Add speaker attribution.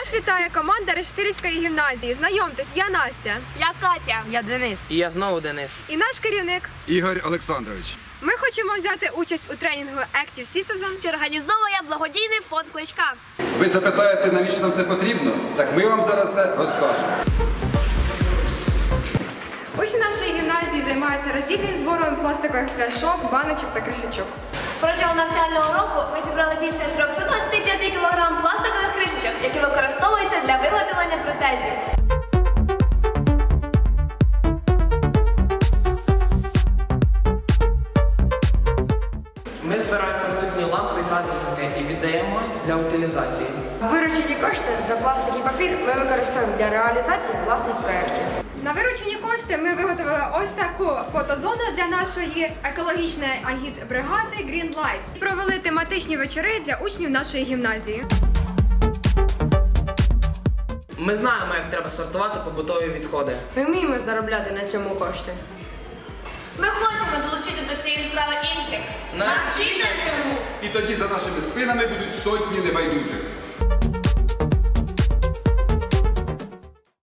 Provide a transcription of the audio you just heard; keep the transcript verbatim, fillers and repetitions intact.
Speaker 1: Вас вітає команда Решетилівської гімназії. Знайомтесь, я Настя.
Speaker 2: Я Катя.
Speaker 3: Я Денис.
Speaker 4: І я знову Денис.
Speaker 1: І наш керівник.
Speaker 5: Ігор Олександрович.
Speaker 1: Ми хочемо взяти участь у тренінгу Active Citizen,
Speaker 2: Що організовує благодійний фонд Кличка.
Speaker 5: Ви запитаєте, навіщо нам це потрібно? Так ми вам зараз все розкажемо.
Speaker 1: Учні нашої гімназії займаються роздільним збором пластикових пляшок, баночок та кришечок.
Speaker 2: Протягом навчального року ми зібрали більше триста двадцять п'ять кілограм пластикових кришечок, які використовуються для виготовлення протезів.
Speaker 4: Ми збираємо ртутні лампи і градусники і віддаємо для утилізації.
Speaker 3: Виручені кошти за пластик і папір ми використовуємо для реалізації власних проєктів.
Speaker 1: На виручені кошти ми виготовили ось таку фотозону для нашої екологічної агітбригади Green Light. І провели тематичні вечори для учнів нашої гімназії.
Speaker 4: Ми знаємо, як треба сортувати побутові відходи.
Speaker 3: Ми вміємо заробляти на цьому кошти.
Speaker 2: Ми хочемо долучити до цієї справи інших.
Speaker 4: Навчіть нас
Speaker 2: цьому!
Speaker 5: І тоді за нашими спинами будуть сотні небайдужих.